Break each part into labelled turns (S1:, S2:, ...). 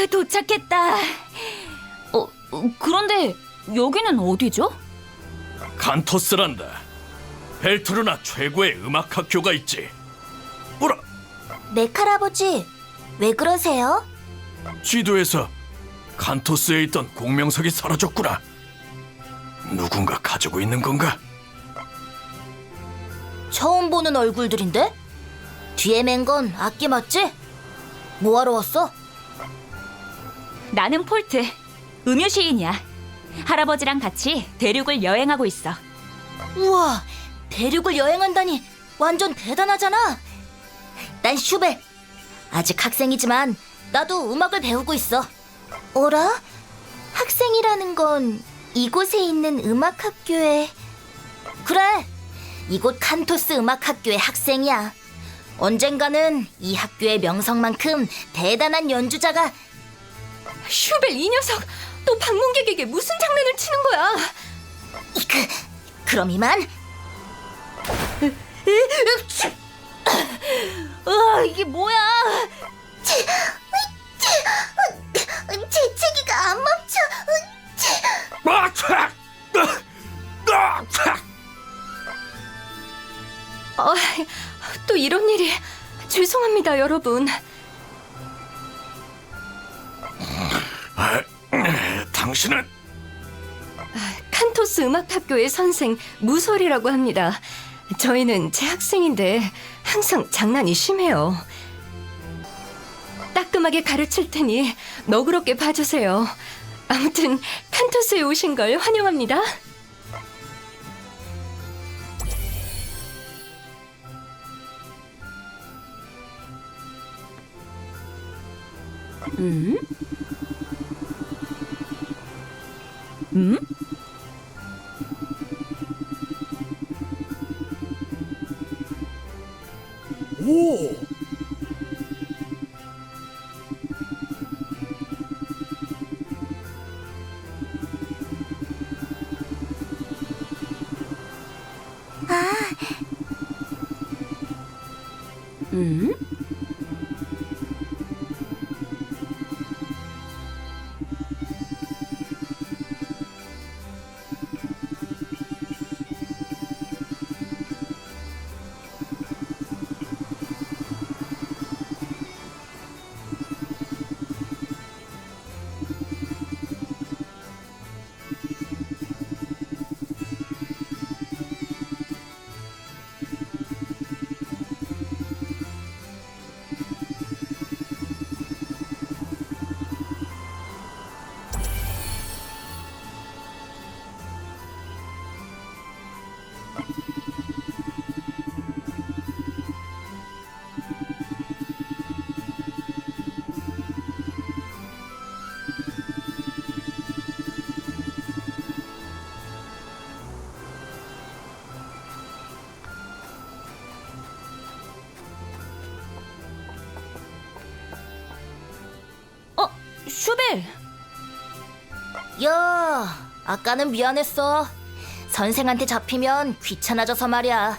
S1: 도착했다. 그런데 여기는 어디죠?
S2: 간토스란다. 벨트루나 최고의 음악 학교가 있지. 뭐라?
S3: 메칼아버지, 왜 그러세요?
S2: 지도에서 간토스에 있던 공명석이 사라졌구나. 누군가 가지고 있는 건가?
S3: 처음 보는 얼굴들인데? 뒤에 맨 건 악기 맞지? 뭐하러 왔어?
S1: 나는 폴트, 음유 시인이야. 할아버지랑 같이 대륙을 여행하고 있어.
S3: 우와, 대륙을 여행한다니 완전 대단하잖아. 난 슈벨. 아직 학생이지만 나도 음악을 배우고 있어. 어라? 학생이라는 건 이곳에 있는 음악학교에... 그래, 이곳 칸토스 음악학교의 학생이야. 언젠가는 이 학교의 명성만큼 대단한 연주자가...
S1: 슈벨 이 녀석, 또 방문객에게 무슨 장난을 치는 거야?
S3: 그럼 이만.
S1: 이게 뭐야?
S3: 재채기가 안 멈춰.
S1: 또 이런 일이. 죄송합니다, 여러분.
S2: 당신은?
S1: 칸토스 음악학교의 선생 무솔이라고 합니다. 저희는 재학생인데 항상 장난이 심해요. 따끔하게 가르칠 테니 너그럽게 봐주세요. 아무튼 칸토스에 오신 걸 환영합니다. 음? 음?
S2: 오!
S1: 음? 슈벨!
S3: 야, 아까는 미안했어. 선생한테 잡히면 귀찮아져서 말이야.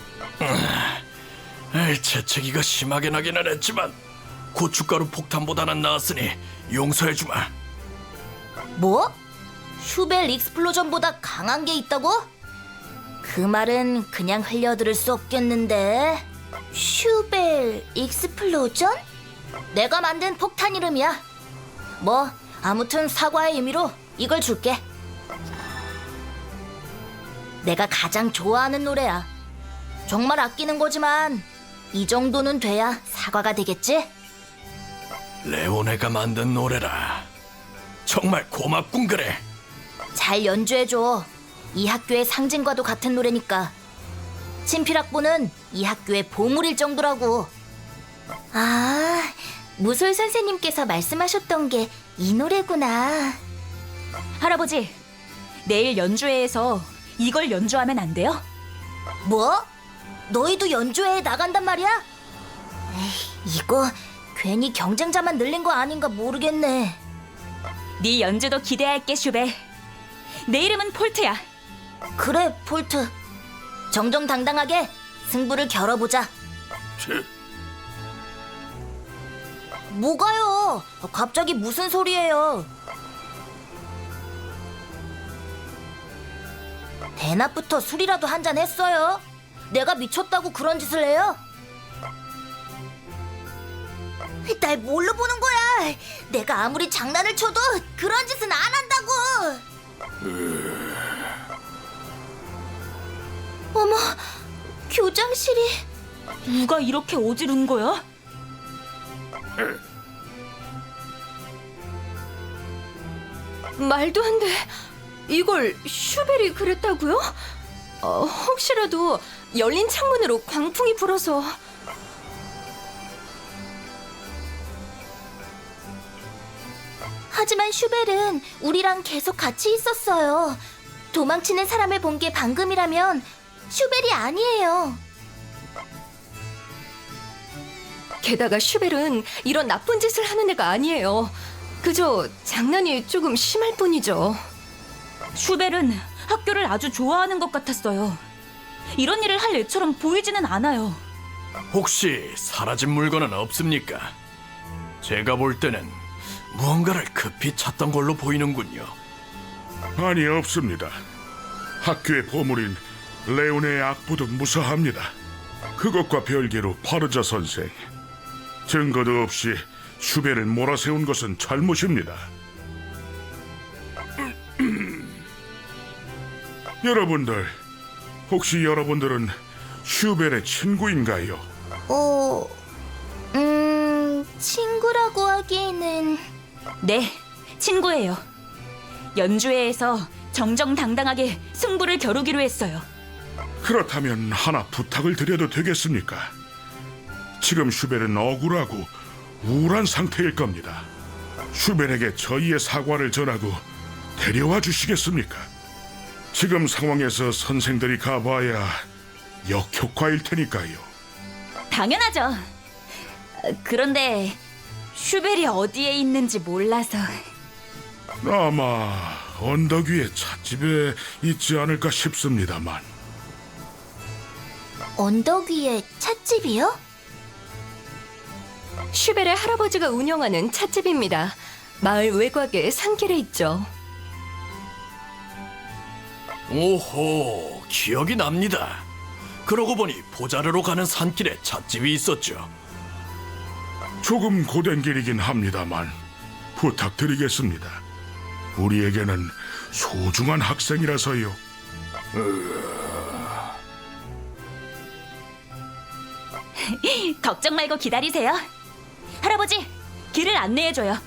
S2: 재채기가 심하게 나기는 했지만 고춧가루 폭탄보다는 나았으니 용서해주마.
S3: 뭐? 슈벨 익스플로전보다 강한 게 있다고? 그 말은 그냥 흘려들을 수 없겠는데. 슈벨 익스플로전? 내가 만든 폭탄 이름이야. 뭐 아무튼 사과의 의미로 이걸 줄게. 내가 가장 좋아하는 노래야. 정말 아끼는 거지만 이 정도는 돼야 사과가 되겠지?
S2: 레오네가 만든 노래라. 정말 고맙군 그래.
S3: 잘 연주해줘. 이 학교의 상징과도 같은 노래니까. 친필학부는 이 학교의 보물일 정도라고. 아, 무솔 선생님께서 말씀하셨던 게 이 노래구나.
S1: 할아버지, 내일 연주회에서 이걸 연주하면 안 돼요?
S3: 뭐? 너희도 연주회에 나간단 말이야? 에이, 이거 괜히 경쟁자만 늘린 거 아닌가 모르겠네.
S1: 네 연주도 기대할게, 슈벨. 내 이름은 폴트야.
S3: 그래, 폴트. 정정당당하게 승부를 겨뤄보자. 뭐가요? 갑자기 무슨 소리예요? 대낮부터 술이라도 한잔 했어요? 내가 미쳤다고 그런 짓을 해요? 날 뭘로 보는 거야? 내가 아무리 장난을 쳐도 그런 짓은 안 한다고! 어머, 교장실이...
S4: 누가 이렇게 어지른 거야?
S1: 말도 안 돼. 이걸 슈벨이 그랬다고요? 혹시라도 열린 창문으로 광풍이 불어서.
S3: 하지만 슈벨은 우리랑 계속 같이 있었어요. 도망치는 사람을 본 게 방금이라면 슈벨이 아니에요.
S1: 게다가 슈벨은 이런 나쁜 짓을 하는 애가 아니에요. 그저 장난이 조금 심할 뿐이죠.
S4: 슈벨은 학교를 아주 좋아하는 것 같았어요. 이런 일을 할 애처럼 보이지는 않아요.
S2: 혹시 사라진 물건은 없습니까? 제가 볼 때는 무언가를 급히 찾던 걸로 보이는군요.
S5: 아니, 없습니다. 학교의 보물인 레온의 악보도 무사합니다. 그것과 별개로 파르자 선생, 증거도 없이 슈벨을 몰아세운 것은 잘못입니다. 여러분들, 혹시 여러분들은 슈벨의 친구인가요?
S3: 친구라고 하기에는...
S4: 네, 친구예요. 연주회에서 정정당당하게 승부를 겨루기로 했어요.
S5: 그렇다면 하나 부탁을 드려도 되겠습니까? 지금 슈벨은 억울하고 우울한 상태일 겁니다. 슈벨에게 저희의 사과를 전하고 데려와 주시겠습니까? 지금 상황에서 선생들이 가봐야 역효과일 테니까요.
S4: 당연하죠. 그런데 슈벨이 어디에 있는지 몰라서.
S5: 아마 언덕 위의 찻집에 있지 않을까 싶습니다만.
S3: 언덕 위에 찻집이요?
S1: 슈벨의 할아버지가 운영하는 찻집입니다. 마을 외곽의 산길에 있죠.
S2: 오호, 기억이 납니다. 그러고 보니 보자르로 가는 산길에 찻집이 있었죠.
S5: 조금 고된 길이긴 합니다만 부탁드리겠습니다. 우리에게는 소중한 학생이라서요.
S4: 걱정 말고 기다리세요. 할아버지, 길을 안내해줘요.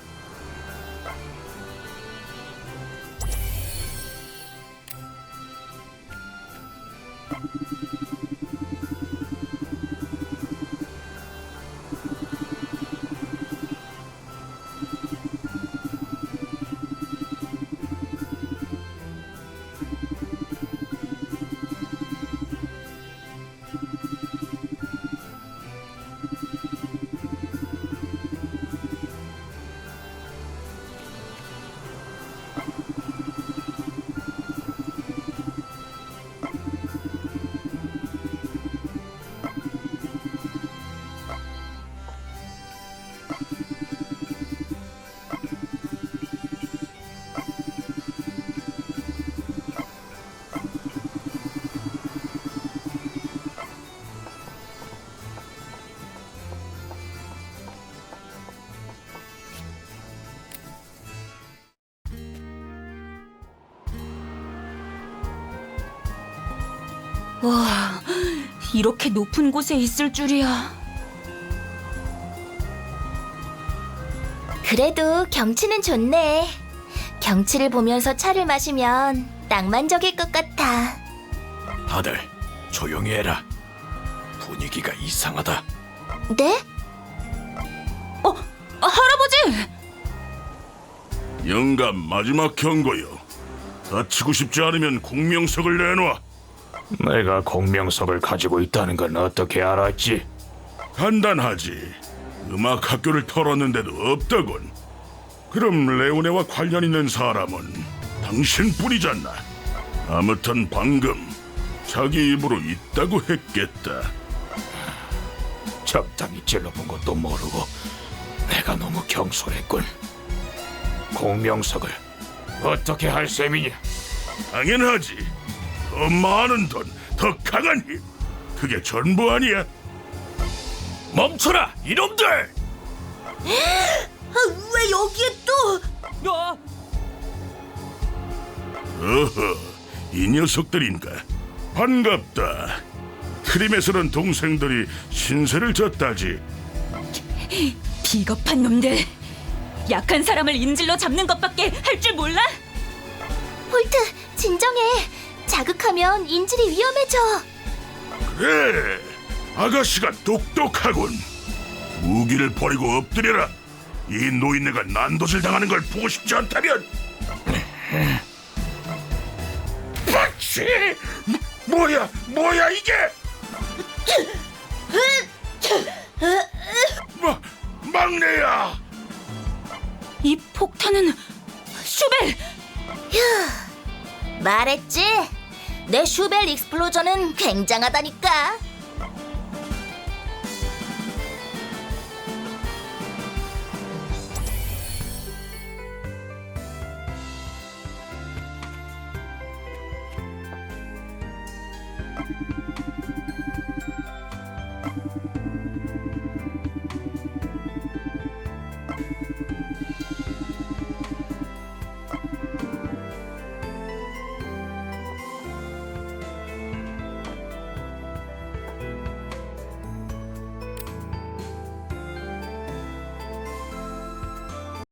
S4: 와, 이렇게 높은 곳에 있을 줄이야.
S3: 그래도 경치는 좋네. 경치를 보면서 차를 마시면 낭만적일 것 같아.
S2: 다들 조용히 해라. 분위기가 이상하다.
S3: 네?
S4: 할아버지!
S5: 영감, 마지막 경고요. 다치고 싶지 않으면 공명석을 내놔.
S6: 내가 공명석을 가지고 있다는 건 어떻게 알았지?
S5: 간단하지. 음악 학교를 털었는데도 없다군. 그럼 레오네와 관련 있는 사람은 당신뿐이잖아. 아무튼 방금 자기 입으로 있다고 했겠다.
S6: 적당히 찔러본 것도 모르고 내가 너무 경솔했군. 공명석을 어떻게 할 셈이냐?
S5: 당연하지. 더 많은 돈, 더 강한 힘. 그게 전부 아니야.
S2: 멈춰라, 이놈들!
S3: 왜 여기에 또?
S5: 어허, 이 녀석들인가? 반갑다. 트림에서는 동생들이 신세를 졌다지.
S4: 비겁한 놈들. 약한 사람을 인질로 잡는 것밖에 할 줄 몰라?
S3: 홀트, 진정해. 자극하면 인질이 위험해져.
S5: 그래, 아가씨가 똑똑하군. 무기를 버리고 엎드려라. 이 노인네가 난도질 당하는 걸 보고 싶지 않다면. 박씨, 뭐야 이게? 막내야.
S4: 이 폭탄은 슈벨!
S3: 말했지? 내 슈벨 익스플로전은 굉장하다니까.